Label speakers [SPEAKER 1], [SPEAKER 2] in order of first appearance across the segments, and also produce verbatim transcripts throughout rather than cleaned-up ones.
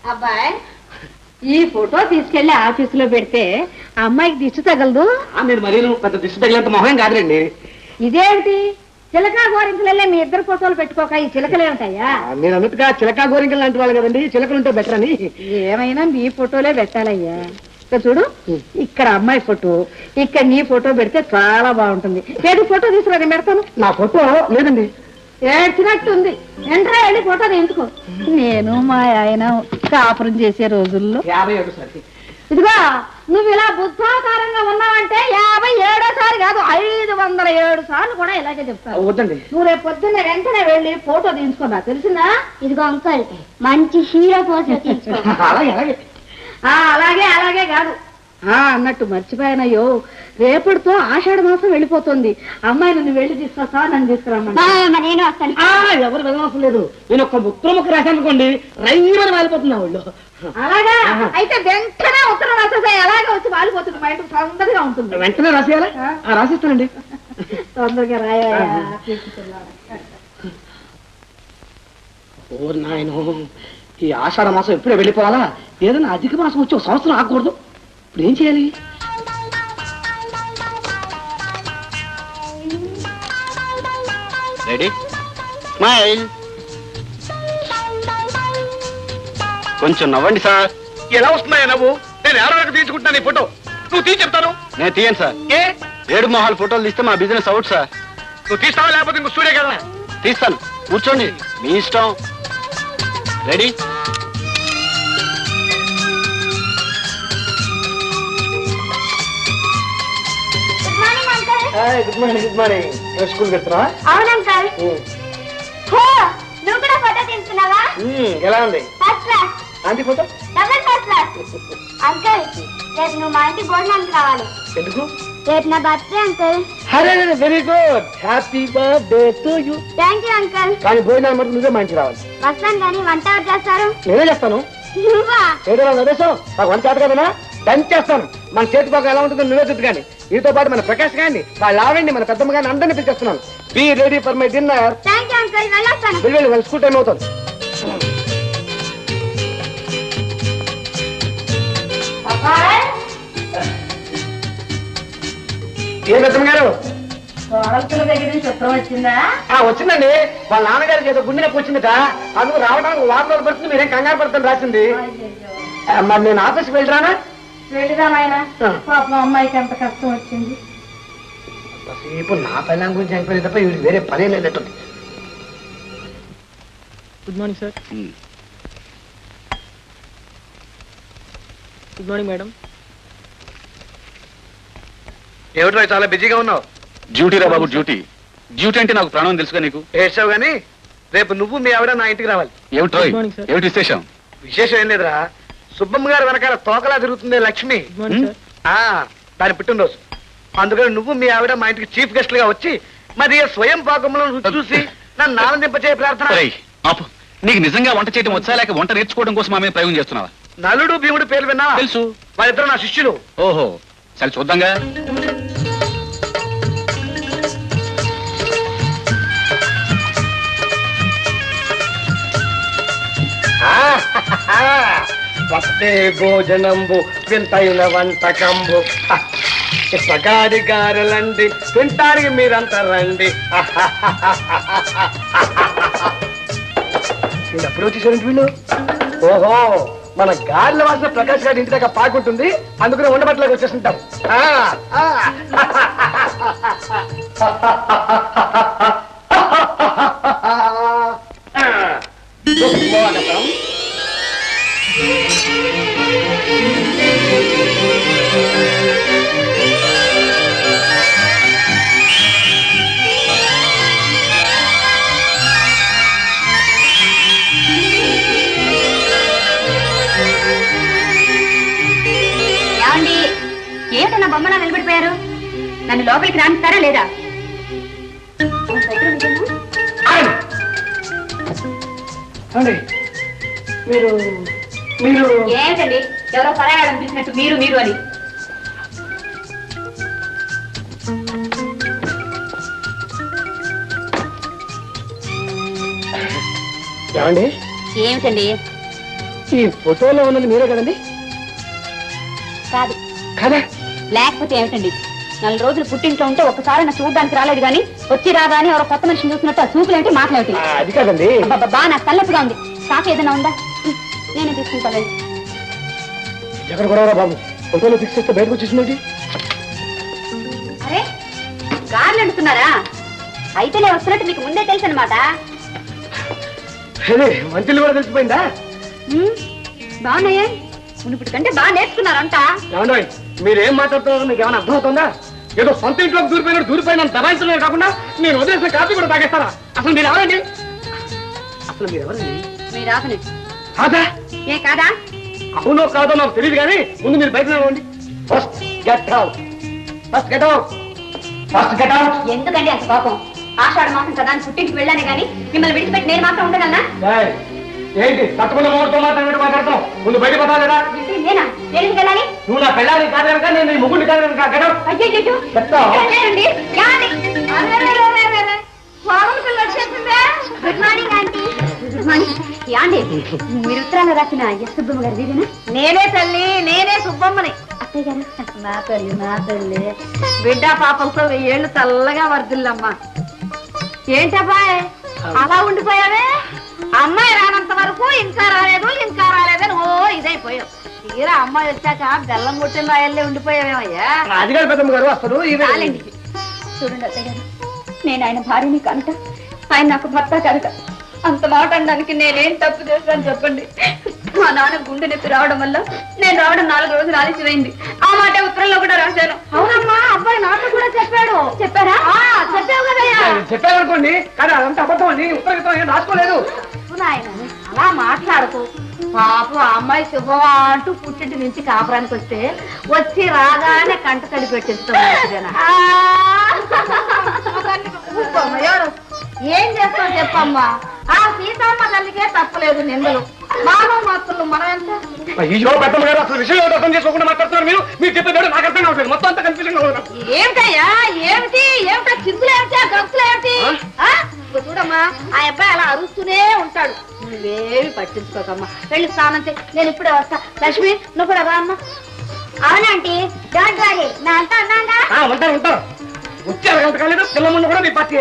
[SPEAKER 1] అబ్బాయి ఈ ఫోటో తీసుకెళ్లి ఆఫీసులో పెడితే అమ్మాయికి దిష్టి తగలదు.
[SPEAKER 2] నేను మరీ పెద్ద దిష్టి తగిలేంత మొహం కాదులేండి.
[SPEAKER 1] ఇదేమిటి చిలకా గోరింకలే మీ ఇద్దరు ఫోటోలు పెట్టుకోక ఈ చిలకలే ఉంటాయా?
[SPEAKER 2] నేను అన్నట్టుగా చిలకా గోరింకలు లాంటి వాళ్ళు కదండి, చిలకలు ఉంటే బెటర్ అని.
[SPEAKER 1] ఏమైనా మీ ఫోటోలే పెట్టాలయ్యా. ఇక్కడ చూడు, ఇక్కడ అమ్మాయి ఫోటో, ఇక్కడ నీ ఫోటో పెడితే చాలా బాగుంటుంది. ఏది ఫోటో తీసుకురా, నేను పెడతాను.
[SPEAKER 2] నా ఫోటో లేదండి.
[SPEAKER 1] ఏడ్చినట్టుంది. ఎంట్రా వెళ్ళి ఫోటో తీయించుకో. నేను మా ఆయన కాపురం చేసే రోజుల్లో
[SPEAKER 2] యాభై ఏడు సార్
[SPEAKER 1] ఇదిగో నువ్వు ఇలా బుద్ధాకారంగా ఉన్నావంటే యాభై ఏడోసారి కాదు ఐదు వందల ఏడు సార్లు కూడా ఇలాగే చెప్తాను.
[SPEAKER 2] వద్దండి,
[SPEAKER 1] నువ్వు రేపు పొద్దున్న వెంటనే వెళ్ళి ఫోటో తీయించుకున్నా, తెలిసిందా?
[SPEAKER 3] ఇదిగో అంకుల్ మంచి హీరో పోజు తీసుకో.
[SPEAKER 2] అలాగే అలాగే
[SPEAKER 1] అలాగే అలాగే కాదు అన్నట్టు మర్చిపోయానయ్యో, రేపటితో ఆషాఢ మాసం వెళ్ళిపోతుంది. అమ్మాయి నువ్వు వెళ్ళి తీసుకొస్తా, నన్ను తీసుకురామ్మా.
[SPEAKER 3] నేను వస్తాను.
[SPEAKER 2] ఎవరు వెళ్ళవలసిన లేదు. నేను ఒక ఉత్తరం ముక్క రాశాను అనుకోండి, రైమని వాలిపోతున్నా వాళ్ళు.
[SPEAKER 1] అలాగా అయితే వెంటనే ఉత్తరం రాసేసా, అలాగే వచ్చి వాలిపోతుంది. మా ఇంటికి తొందరగా ఉంటుంది.
[SPEAKER 2] వెంటనే రాసేయాలా? రాసిస్తానండి.
[SPEAKER 1] తొందరగా రాయా.
[SPEAKER 2] ఓ నాయనో, ఈ ఆషాఢ మాసం ఎప్పుడే వెళ్ళిపోవాలా? ఏదైనా అధిక మాసం వచ్చి ఒక సంవత్సరం ఆగకూడదు. ఇప్పుడు ఏం చేయాలి?
[SPEAKER 4] Ready smile. కొంచెం నవ్వండి సార్.
[SPEAKER 5] ఎలా వస్తున్నాయా నవ్వు? నేను ఎవరి వరకు తీసుకుంటున్నాను ఈ ఫోటో. నువ్వు తీసి చెప్తాను.
[SPEAKER 4] నేను తీయను సార్.
[SPEAKER 5] ఏ
[SPEAKER 4] ఏడు మొహాలు ఫోటోలు తీస్తే మా బిజినెస్ అవుట్ సార్.
[SPEAKER 5] నువ్వు తీస్తావా లేకపోతే ఇంకో స్టూడియో కదా?
[SPEAKER 4] తీస్తాను, కూర్చోండి, మీ ఇష్టం. Ready?
[SPEAKER 2] Good morning. Good morning. School వెళ్తున్నావా?
[SPEAKER 3] అవును అంకుల్. నువ్వు కూడా ఫోటో తీసుకున్నావా?
[SPEAKER 2] ఎలా ఉంది
[SPEAKER 3] first class.
[SPEAKER 2] Aunty photo?
[SPEAKER 3] Double first class. Uncle రేపు నువ్వు మా ఇంటికి భోజనానికి రావాలి.
[SPEAKER 2] ఎందుకు?
[SPEAKER 3] రేపు నా బర్త్డే అంకుల్.
[SPEAKER 2] అరే very good. Happy birthday to you.
[SPEAKER 3] Thank you uncle.
[SPEAKER 2] కానీ భోజనాలు మటుకు నువ్వే మంచి రావాలి.
[SPEAKER 3] వస్తాను కానీ వంట ఎవరు చేస్తారు?
[SPEAKER 2] నేనే చేస్తాను.
[SPEAKER 3] నువ్వా?
[SPEAKER 2] ఏదో నదేశం నాకు వంట చేత కదనా, దంచి చేస్తాను. మన చేతి పాక ఎలా ఉంటుందో నువ్వే చూద్దు. కానీ వీటితో పాటు మన ప్రకాష్ గారిని, వాళ్ళ ఆవిడ్ని, మన పెద్దమ్మ గారిని అందరినీ పిలిచేస్తున్నాను. Be ready for my dinner.
[SPEAKER 3] Thank you uncle. వెళ్ళొస్తాను.
[SPEAKER 2] వెళ్ళి వెళ్ళి వాళ్ళ స్కూల్ టైం అవుతుంది. ఏ పెద్దమ్మ గారు?
[SPEAKER 1] కోడల దగ్గర నుంచి ఉత్తరం వచ్చిందా?
[SPEAKER 2] వచ్చిందండి. వాళ్ళ నాన్నగారికి ఏదో గుండె నొప్పి వచ్చిందట, అందుకు రావడానికి వారం రోజులు పడుతుంది. మీరేం కంగారు పడుతుంది రాసింది. మరి నేను ఆఫీస్కి వెళ్ళరానా?
[SPEAKER 1] వెళ్ళిరామాయన. పాపం అమ్మాయికి ఎంత కష్టం వచ్చింది.
[SPEAKER 2] ఇప్పుడు నా పిల్లల గురించి అయిపోయింది తప్ప వీడికి వేరే పనే లేనట్టుంది.
[SPEAKER 6] Good morning sir. Good morning madam.
[SPEAKER 5] ఏమిటో చాలా బిజీగా ఉన్నావు.
[SPEAKER 4] డ్యూటీ రా బాబు, డ్యూటీ. డ్యూటీ అంటే నాకు ప్రాణం తెలుసుగా నీకు.
[SPEAKER 5] ఏడ్చావు గానీ రేపు నువ్వు మీ ఆవిడ నా ఇంటికి రావాలి.
[SPEAKER 4] ఏమిటో ఏమిటి విశేషం?
[SPEAKER 5] విశేషం ఏం లేదురా, సుబ్బమ్మ గారు వెనకాల తోకలా తిరుగుతుంది లక్ష్మి. ఆ దాని పుట్టినరోజు. అందుకని నువ్వు మీ ఆవిడ మా ఇంటికి చీఫ్ గెస్ట్ గా వచ్చి మరి స్వయం పాకంలో రుచి చూసి నన్ను ఆనందింపచే ప్రార్థన.
[SPEAKER 4] నీకు నిజంగా వంట చేయడం వచ్చా, లేక వంట నేర్చుకోవడం కోసం ఆమె ప్రయోగం చేస్తున్నావా?
[SPEAKER 5] నలుడు భీముడు పేరు విన్నా?
[SPEAKER 4] తెలుసు.
[SPEAKER 5] వాళ్ళిద్దరు నా శిష్యులు.
[SPEAKER 4] ఓహో, సరే చూద్దాంగా.
[SPEAKER 2] వస్తే భోజనంబు వింతైన వంటకంబు సగాది గారెలండి, తింటానికి మీరంతా రండి. ఎప్పుడు వచ్చేసారండి వీళ్ళు? ఓహో, మన గారెల వాసన ప్రకాష్ గారి ఇంటి దగ్గర పాకుంటుంది, అందుకనే ఉండబట్టలోకి వచ్చేస్తుంటాం. స్వాగతం.
[SPEAKER 3] ఏమిటో నా బొమ్మలా నిలబడిపోయారు? నన్ను లోపలికి రానిస్తారా లేదా?
[SPEAKER 2] మీరు మీరు
[SPEAKER 3] ఏమిటండి ఎవరో పరాయాడం చూసినట్టు మీరు మీరు అని?
[SPEAKER 2] ఏమండి?
[SPEAKER 3] ఏమిటండి?
[SPEAKER 2] ఈ ఫోటోలో ఉన్నది మీరే కదండి?
[SPEAKER 1] కాదు.
[SPEAKER 2] కదా?
[SPEAKER 1] లేకపోతే ఏమిటండి? నాలుగు రోజులు పుట్టింట్లో ఉంటే ఒక్కసారి నా చూడడానికి రాలేదు కానీ వచ్చి రాదా అని ఎవరో కొత్త మనిషిని చూసినట్టు ఆ చూపులేంటి మాట్లాడి
[SPEAKER 2] ఆ, అది కాదండి.
[SPEAKER 1] బాబా నాకు తలెప్పుగా ఉంది. కాఫీ ఏదైనా ఉందా? నేనే తీసుకుంటానండి.
[SPEAKER 2] ఎక్కడ కూడా బాబు ఫోటోలో ఫిక్స్ చేస్తే బయటకు వచ్చేసింది.
[SPEAKER 1] అరే గార్లు అంటున్నారా? అయితే నేను వస్తున్నట్టు మీకు ముందే తెలుసు అనమాట.
[SPEAKER 2] అదే మంచిలు కూడా తెలిసిపోయిందా?
[SPEAKER 1] బాగున్నాయే. మునుపటి కంటే బాగా నేర్చుకున్నారంట.
[SPEAKER 2] ఏమండి మీరేం మాట్లాడుతున్నారో మీకు ఏమైనా అర్థమవుతుందా? ఏదో సొంత ఇంట్లోకి దూరిపోయిన దూరిపోయిన దబాయించడమే కాకుండా నేను వదిలేసిన కాఫీ కూడా తాగేస్తారా? అసలు మీరు ఎవరండి? అసలు మీరు ఎవరండి?
[SPEAKER 1] మీ రాకనే
[SPEAKER 2] కాదా?
[SPEAKER 1] ఏ కాదా?
[SPEAKER 2] అవునో కాదో నాకు తెలియదు కానీ ముందు మీరు బయట నిలవండి. First get out. First get out. First get out.
[SPEAKER 1] ఎందుకండి అంత కోపం? ఆషాఢ మాసం కదా అని పుట్టింటికి వెళ్ళాను కానీ మిమ్మల్ని విడిచిపెట్టి నేను మాత్రం ఉండగలనా?
[SPEAKER 2] ఏంటి తప్పకుండా మోడుతో మాట్లాడినట్టు మాట్లాడతాం? ముందు బయట పోతావు కదా?
[SPEAKER 1] నేనా? నేను ఎందుకు వెళ్ళాలి?
[SPEAKER 2] నువ్వు నా పెళ్ళాన్ని కాదు కనుక నేను నీ ముగ్గురిని కాదు కనుక గెట్ అవుట్.
[SPEAKER 1] అయ్యో
[SPEAKER 2] చెప్తా.
[SPEAKER 3] Good morning aunty.
[SPEAKER 1] యాండి మీరు ఉత్తరాలు రాసిన ఎస్ సుబ్బమ్మ గారు వీరేనా? నేనే తల్లి, నేనే సుబ్బమ్మని. అత్తయ్య గారు నా తల్లి, నా తల్లి బిడ్డ పాపలతో వెయ్యేళ్ళు చల్లగా వర్దిల్లమ్మా. ఏంటబ్బాయ్ అలా ఉండిపోయావే? అమ్మాయి రానంత వరకు ఇంకా రాలేదు ఇంకా రాలేదని ఓ ఇదైపోయావు. తీరా అమ్మాయి వచ్చాక బెల్లం కొట్టిన రాయల్లే ఉండిపోయావేమయ్యా.
[SPEAKER 2] అది కాదు పెద్దమ్మ గారు అసలు
[SPEAKER 1] చాలండి. చూడండి అత్తయ్య గారు, నేను ఆయన భార్యని కనుక ఆయన నాకు భర్త కనుక అంత మాట అనడానికి నేనేం తప్పు చేస్తాను చెప్పండి. మా నాన్న గుండె నొప్పి రావడం వల్ల నేను రావడం నాలుగు రోజులు ఆలస్యమైంది. ఆ మాట ఉత్తరంలో కూడా రాశాను. అవునమ్మా, అబ్బాయి నాతో కూడా చెప్పాడు. చెప్పారా? చెప్పావు కదయ్యా.
[SPEAKER 2] చెప్పారనుకోండి కానీ అదంతా అబద్ధం అండి. ఉత్తరం ఏం రాసుకోలేదు.
[SPEAKER 1] అలా మాట్లాడుతూ పాపం ఆ అమ్మాయి శుభమా అంటూ పుట్టింటి నుంచి కాపురానికి వస్తే వచ్చి రాగానే కంట తడి పెట్టిస్తాను. ఏం చేస్తావు చెప్పమ్మా? ఆ సీతమ్మ తల్లికే తప్పలేదు నిందలు. మానవ మాత్రులు మనం ఎంత?
[SPEAKER 2] అయ్యో పెద్దమ్మ గారు అసలు విషయం అర్థం చేసుకోకుండా మాట్లాడుతున్నారు మీరు. మీరు చెప్పేది నాకు అర్థం కావట్లేదు. మొత్తం అంతా కన్ఫ్యూజన్ గా
[SPEAKER 1] ఏమిటయ్యా? ఏమిటి ఏమిటా? చిందులు ఏమిటి? గంతులు ఏమిటి? చూడమ్మా, ఆ అబ్బాయి అలా అరుస్తూనే ఉంటాడు. నువ్వేమి పట్టించుకోకమ్మా. వెళ్ళి స్నానం చేయి, నేను ఇప్పుడే వస్తా. లక్ష్మి నువ్వు కూడా రా అమ్మా.
[SPEAKER 3] అవునంటీ, డోంట్ వరీ, నా అంతా అన్నాగా.
[SPEAKER 2] ఉంటారు ఉంటారు వచ్చారు గంట కాలేదు. పిల్ల ముందు కూడా మీ పార్టీ.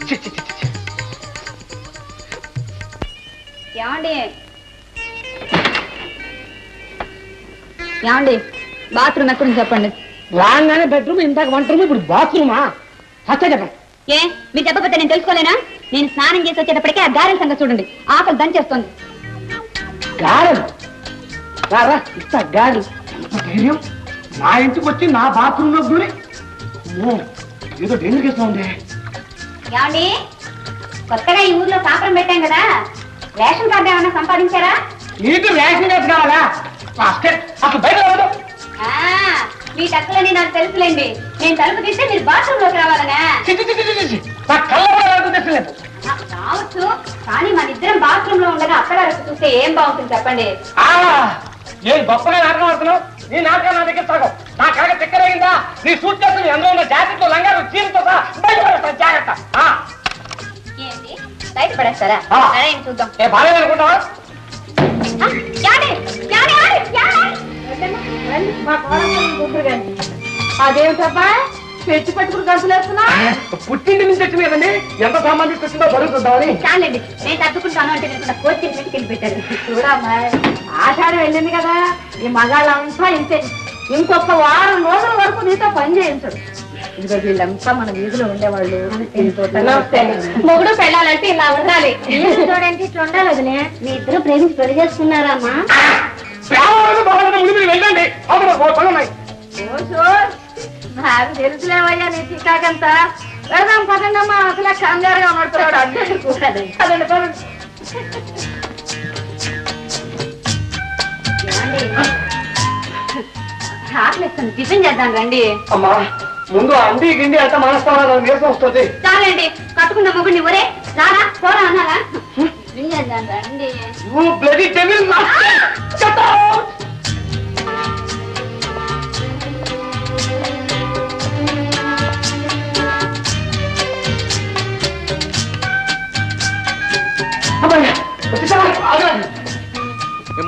[SPEAKER 1] ఏమండి ఏమండి బాత్రూమ్ ఎక్కడుంది చెప్పండి.
[SPEAKER 2] రాగానే బెడ్రూమ్, ఇందాక వంట రూమ్, ఇప్పుడు బాత్రూమా? ఫస్ట్ చెప్పండి.
[SPEAKER 1] ఏ మీరు చెప్పకపోతే నేను తెలుసుకోలేనా? నేను స్నానం చేసి వచ్చేటప్పటికే ఆ గారెల సంగతి చూడండి. ఆకలి దంచేస్తుంది.
[SPEAKER 2] గారెలు రారా ఇస్తా గారెలు. ధైర్యం నా ఇంటికి వచ్చి నా బాత్రూమ్ లో దూరి ఏదో డేంజర్ కేసు ఉంది.
[SPEAKER 1] ఏమండి కొత్తగా ఈ ఊర్లో కాపురం పెట్టాం కదా, రేషన్ కార్డు ఏమైనా సంపాదించారా?
[SPEAKER 2] నీకు రేషన్ కేసు కావాలా? అసలు బయట రావద్దు.
[SPEAKER 1] మీ టక్కులని నాకు తెలుసులేండి. నేను తలుపు తీస్తే మీరు బాత్రూమ్ లోకి రావాలనా?
[SPEAKER 2] నా కళ్ళ కూడా తెచ్చలేదు.
[SPEAKER 1] రావచ్చు, కానీ మన ఇద్దరం బాత్రూమ్ లో ఉండగా అక్కడ చూస్తే ఏం బాగుంటుంది చెప్పండి.
[SPEAKER 2] ఏం గొప్పగా నాటకం ఆడుతున్నావు? నీ నాటకం నా దగ్గర సాగం. నా కాక చక్కెర అయిందా? నీ సూట్ చేసుకుని అందులో ఉన్న జాకెట్లు లంగాలు చీరతో జాగ్రత్త.
[SPEAKER 1] ఏంటి బయట పడేస్తారా? సరే చూద్దాం.
[SPEAKER 2] ఏ బాగా అనుకుంటావా?
[SPEAKER 1] అదేమిటబ్బా పెట్టి పట్టుకుని గంతులు వేస్తున్నా?
[SPEAKER 2] పుట్టింటి నుంచి వచ్చింది కదండి, ఎంత సామాన్ తీసుకొచ్చిందో బరువుతుందామని.
[SPEAKER 1] చాలండి, నేను తగ్గుకుంటాను అంటే నేను కోచి పెట్టుకెళ్ళి పెట్టాను. చూడమ్మా, ఆషాఢం వెళ్ళింది కదా, ఈ మగాళ్ళంతా ఇంతే. ఇంకొక వారం రోజుల వరకు నీతో పని చేయించడు. ఇదిగో వీళ్ళంతా మన వీధిలో ఉండేవాళ్ళు. మొగుడు పెళ్ళాలంటే ఇలా ఉండాలి.
[SPEAKER 3] చూడండి ఇట్లా ఉండాలి వదిలే. మీ ఇద్దరు ప్రేమించి పెళ్లి చేసుకున్నారా అమ్మా?
[SPEAKER 2] వెళ్ళండి.
[SPEAKER 1] నాకు తెలుసులేవయ్యా నీ చికాకంతా. వెళ్దాం పదండమ్మా. అసలే కంగారుగా ఉన్నాడు. అడ్డు కూడదండి. పదండి పదండి. ఆకలిస్తుంది, టిఫిన్ చేద్దాం రండి.
[SPEAKER 2] అమ్మా ముందు అండి గిండి అంతా మనస్తావా? నీరసం వస్తుంది.
[SPEAKER 1] చాలండి, కట్టుకున్న మొగుడిని ఒరే రారా పోరా అన్నారా? టిఫిన్ చేద్దాం రండి.
[SPEAKER 2] You bloody devil! Shut up!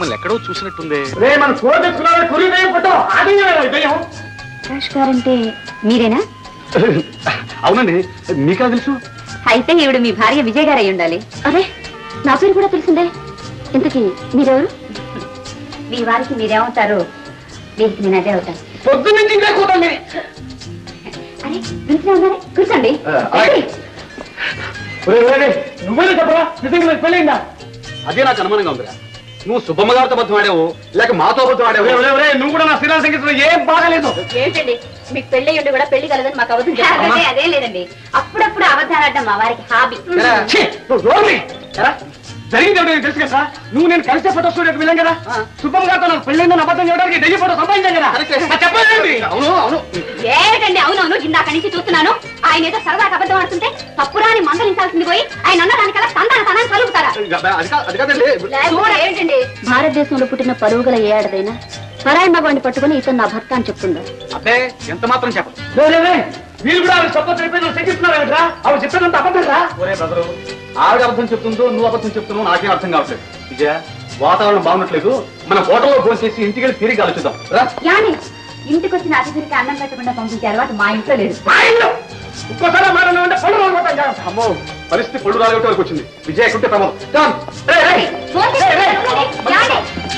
[SPEAKER 4] మిమ్మల్ని ఎక్కడో చూసినట్టుందే.
[SPEAKER 2] రే మన కూర తెచ్చుకున్నావే కురి దయ్యం ఫోటో అది దయ్యం.
[SPEAKER 1] ప్రకాష్ గారంటే మీరేనా?
[SPEAKER 4] అవునండి, మీకా తెలుసు?
[SPEAKER 1] అయితే ఈవిడ మీ భార్య విజయ్ గారు అయి ఉండాలి. అరే నా పేరు కూడా తెలిసిందే. ఇంతకీ మీరెవరు? మీ వారికి మీరేమవుతారు, దీనికి నేను అదే అవుతాను.
[SPEAKER 2] పొద్దున్న నుంచి ఇంకా కూతండి.
[SPEAKER 1] అరే ఇంట్లో ఉన్నారే, కూర్చోండి.
[SPEAKER 2] నువ్వే చెప్పరా నిజంగా పెళ్ళైందా?
[SPEAKER 4] అదే నాకు అనుమానంగా ఉందిరా. నువ్వు సుబ్బమ్మ గారితో అబద్ధం ఆడావు లేక మాతో అబద్ధం ఆడావు?
[SPEAKER 2] నువ్వు కూడా నా శ్రీరామ సంగీతంలో ఏం బాగాలేదు.
[SPEAKER 1] ఏంటండి మీకు పెళ్లి ఉండి కూడా పెళ్లి కలదని మాకు అబద్ధం చెప్పారు. అదే లేదండి, అప్పుడప్పుడు అబద్ధాలు ఆడటం మా వారికి హాబీ.
[SPEAKER 2] ఛీ, నువ్వు నోర్మి. ఎరా, జరిగింది ఏమిటో నీకు తెలుసు కదా. నువ్వు నేను కలిసే ఫోటో స్టూడియోకి వెళ్ళాం కదా. సుబ్బమ్మ గారితో నాకు పెళ్ళైందని అబద్ధం చేయడానికి దయ్య ఫోటో సంపాదించాం కదా. చెప్పండి.
[SPEAKER 4] అవును అవును.
[SPEAKER 1] ఏంటండి అవునవును, ఇందాక నుంచి చూస్తున్నాను. ఆయన ఏదో సరదాగా అబద్ధం ఆడుతుంటే తప్పురాని మందలించాల్సింది పోయి ఆయన అన్న దానికల్లా తందాన తనాన్ని కలుగుతారా?
[SPEAKER 4] అది కా- అది కాదండి.
[SPEAKER 1] ఏంటండి భారతదేశంలో పుట్టిన పరువు గల ఏ ఆడదైనా పరాయి మగవాడిని పట్టుకుని ఇతను నా భర్త అని చెప్తుందా?
[SPEAKER 4] అబ్బే ఎంత మాత్రం చెప్పదు.
[SPEAKER 2] మీరు కూడా ఆవిడ సపోర్ట్ అయిపోయి నువ్వు శంకిస్తున్నావు. ఆవిడ చెప్పినంత అబద్ధం రా.
[SPEAKER 4] ఒరే బ్రదరు, ఆవిడ అబద్ధం చెప్తుందో నువ్వు అబద్ధం చెప్తున్నావు నాకేం అర్థం కావట్లేదు. విజయ, వాతావరణం బాగున్నట్లేదు. మన హోటల్లో భోజనం చేసి ఇంటికి వెళ్ళి తిరిగి ఆలోచిద్దాం. రా.
[SPEAKER 1] యాని ఇంటికి వచ్చిన అతిథికి అన్నం పెట్టకుండా పంపించే అలవాటు మా ఇంట్లో లేదు.
[SPEAKER 2] మా ఇల్లు ఇంకోసారి మాట ఉంటే పళ్ళు రాలిపోతాం కదా.
[SPEAKER 4] అమ్మో, పరిస్థితి పళ్ళు రాలగొట్టే వరకు వచ్చింది. విజయ ఎక్కుంటే ప్రమాదం. Come.
[SPEAKER 2] రేయ్, రేయ్.
[SPEAKER 1] ఫోన్ చేసి పిలవండి. యాని.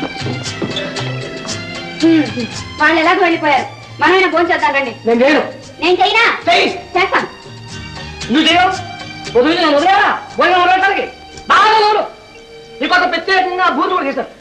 [SPEAKER 1] హ్మ్, వాళ్ళు ఎలాగో వెళ్ళిపోయారు. మనమైనా ఫోన్ చేద్దాం రండి.
[SPEAKER 2] నేను చేయను.
[SPEAKER 1] నేను చేయనా?
[SPEAKER 2] చెయ్యి.
[SPEAKER 1] చేస్తాను.
[SPEAKER 2] నువ్వు చేయవు. పొద్దున్న నేను వదిలేరా భోజనం వదలటానికి బాగా నోరు. నీ కోసం ప్రత్యేకంగా భూతులు కూడా చేశారు.